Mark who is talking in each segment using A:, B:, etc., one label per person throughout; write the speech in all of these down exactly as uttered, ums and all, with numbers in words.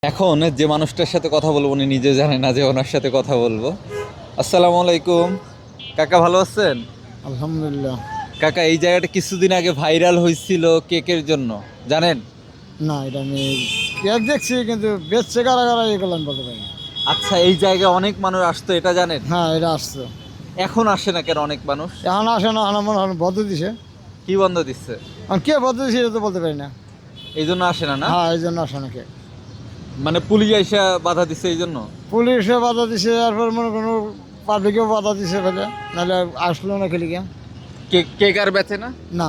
A: এখন যে মানুষটার সাথে কথা বলবো উনি নিজে জানে না যে ওনার সাথে কথা বলবো। আসসালামু আলাইকুম কাকা, ভালো আছেন?
B: আলহামদুলিল্লাহ।
A: কাকা, এই জায়গাটা কিছুদিন আগে ভাইরাল হয়েছিল কেকের জন্য, জানেন?
B: না, এটা আমি কেক দেখছি কিন্তু বেচছে কারা কারা এগুলো আমি বলতে পারি না।
A: আচ্ছা, এই জায়গায় অনেক মানুষ আসতো, এটা জানেন?
B: হ্যাঁ, এটা আসছে।
A: এখন আসে না কেন অনেক মানুষ?
B: এখন আসে না, আমার মনে হয় বদ্ধ দিছে।
A: কি বন্ধ দিচ্ছে?
B: এখন কে বদ্ধ দিছে এটা তো বলতে পারি না।
A: এই জন্য আসে না না?
B: হ্যাঁ, এই জন্য আসে না কে।
A: মানে পুলিশ আইসা বাধা দিচ্ছে এই জন্য?
B: পুলিশে বাধা দিছে, তারপর মনে কোনো পাবলিকেও বাধা দিছে ফেলে, নাহলে আসলো না খেলি কে।
A: কেক কেক আর বেচে না?
B: না,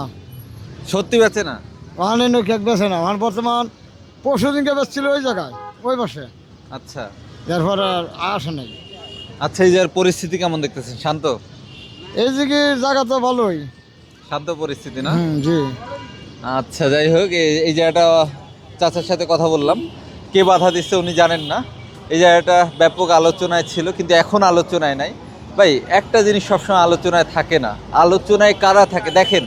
A: সত্যি বেচে না?
B: ওখানে নো কেক বেছে না, আমার বর্তমান পরশু দিনকে বেচছিল ওই জায়গায়, ওই পাশে।
A: আচ্ছা
B: এরপর আর আসে নাই।
A: আচ্ছা, এই জায়গার পরিস্থিতি কেমন দেখতেছেন? শান্ত?
B: এই দিকে জায়গা তো ভালোই।
A: শান্ত পরিস্থিতি না?
B: হুম, জি।
A: আচ্ছা, যাই হোক, এই এই জায়গাটা চাচার সাথে কথা বললাম, কে বাধা দিচ্ছে উনি জানেন না। এই জায়গাটা ব্যাপক আলোচনায় ছিল, কিন্তু এখন আলোচনায় নাই। ভাই, একটা জিনিস সবসময় আলোচনায় থাকে না। আলোচনায় কারা থাকে দেখেন,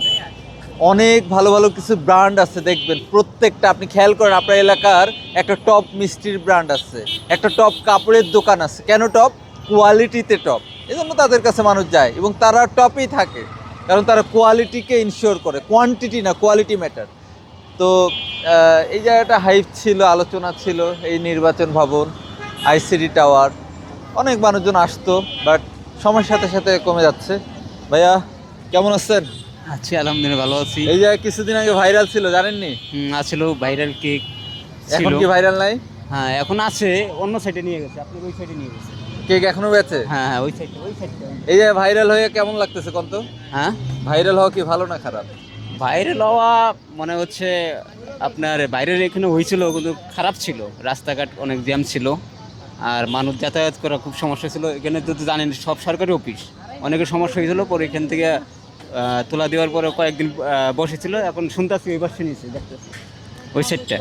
A: অনেক ভালো ভালো কিছু ব্র্যান্ড আছে, দেখবেন প্রত্যেকটা, আপনি খেয়াল করেন আপনার এলাকার একটা টপ মিষ্টির ব্র্যান্ড আছে, একটা টপ কাপড়ের দোকান আছে। কেন টপ? কোয়ালিটিতে টপ। এই জন্য তাদের কাছে মানুষ যায় এবং তারা টপেই থাকে, কারণ তারা কোয়ালিটিকে ইনশিওর করে, কোয়ান্টিটি না, কোয়ালিটি ম্যাটার। তো আহ, এই জায়গাটা হাইপ ছিল, আলোচনা ছিল, এই নির্বাচন ভবন, আইসিডি টাওয়ার, অনেক মানুষজন আসতো, বাট সময়ের সাথে সাথে কমে যাচ্ছে। ভাইয়া, কেমন আছেন?
C: আছি আলহামদুলিল্লাহ, ভালো আছি।
A: এই জায়গায় কিছুদিন আগে ভাইরাল ছিল, জানেননি?
C: হুম, আছিল ভাইরাল কেক
A: এখন
C: ছিল।
A: কি ভাইরাল নাই?
C: হ্যাঁ, এখন আছে, অন্য সাইডে নিয়ে গেছে, আপনি ওই সাইডে নিয়ে গেছে।
A: কেক এখনো বেচে?
C: হ্যাঁ হ্যাঁ, ওই সাইডে ওই সাইডে।
A: এই জায়গায় ভাইরাল হয়ে কেমন লাগতেছে কোন তো?
C: হ্যাঁ,
A: ভাইরাল হওয়া কি ভালো না খারাপ?
C: ভাইরাল হওয়া মনে হচ্ছে আপনার ভাইরাল এখানে হয়েছিল, কিন্তু খারাপ ছিল, রাস্তাঘাট অনেক জ্যাম ছিল, আর মানুষ যাতায়াত করা খুব সমস্যা ছিল। এখানে তো জানেন সব সরকারি অফিস, অনেকের সমস্যা হয়েছিল। পরে এখান থেকে আহ, তোলা দেওয়ার পরে কয়েকদিন আহ, বসেছিল, এখন শুনতেছি ওই পাশে নিয়েছে, দেখতেছি ওই সাইডটা।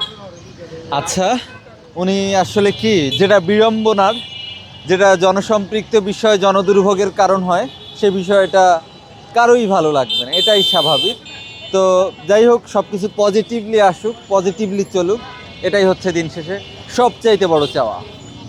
A: আচ্ছা, উনি আসলে কি, যেটা বিড়ম্বনার, যেটা জনসম্পৃক্ত বিষয়, জনদুর্ভোগের কারণ হয়, সে বিষয়টা কারোই ভালো লাগবে না, এটাই স্বাভাবিক। তো যাই হোক, সব কিছু পজিটিভলি আসুক, পজিটিভলি চলুক, এটাই হচ্ছে দিন শেষে সবচাইতে বড় চাওয়া।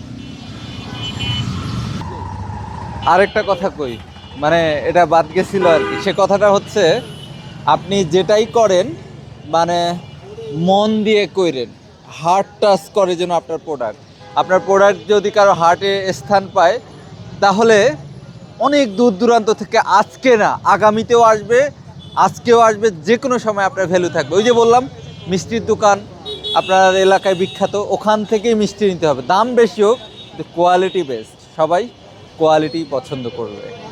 A: আরেকটা কথা কই, মানে এটা বাদ গেছিল আর কি, সে কথাটা হচ্ছে, আপনি যেটাই করেন মানে মন দিয়ে কইরেন, হার্ট টাচ করে যেন আপনার প্রোডাক্ট। আপনার প্রোডাক্ট যদি কারো হার্টে স্থান পায়, তাহলে অনেক দূর দূরান্ত থেকে, আজকে না আগামীতেও আসবে, আজকেও আসবে, যে কোনো সময় আপনার ভ্যালু থাকবে। ওই যে বললাম, মিষ্টির দোকান আপনার এলাকায় বিখ্যাত, ওখান থেকেই মিষ্টি নিতে হবে, দাম বেশি হোক, কোয়ালিটি বেস্ট, সবাই কোয়ালিটি পছন্দ করবে।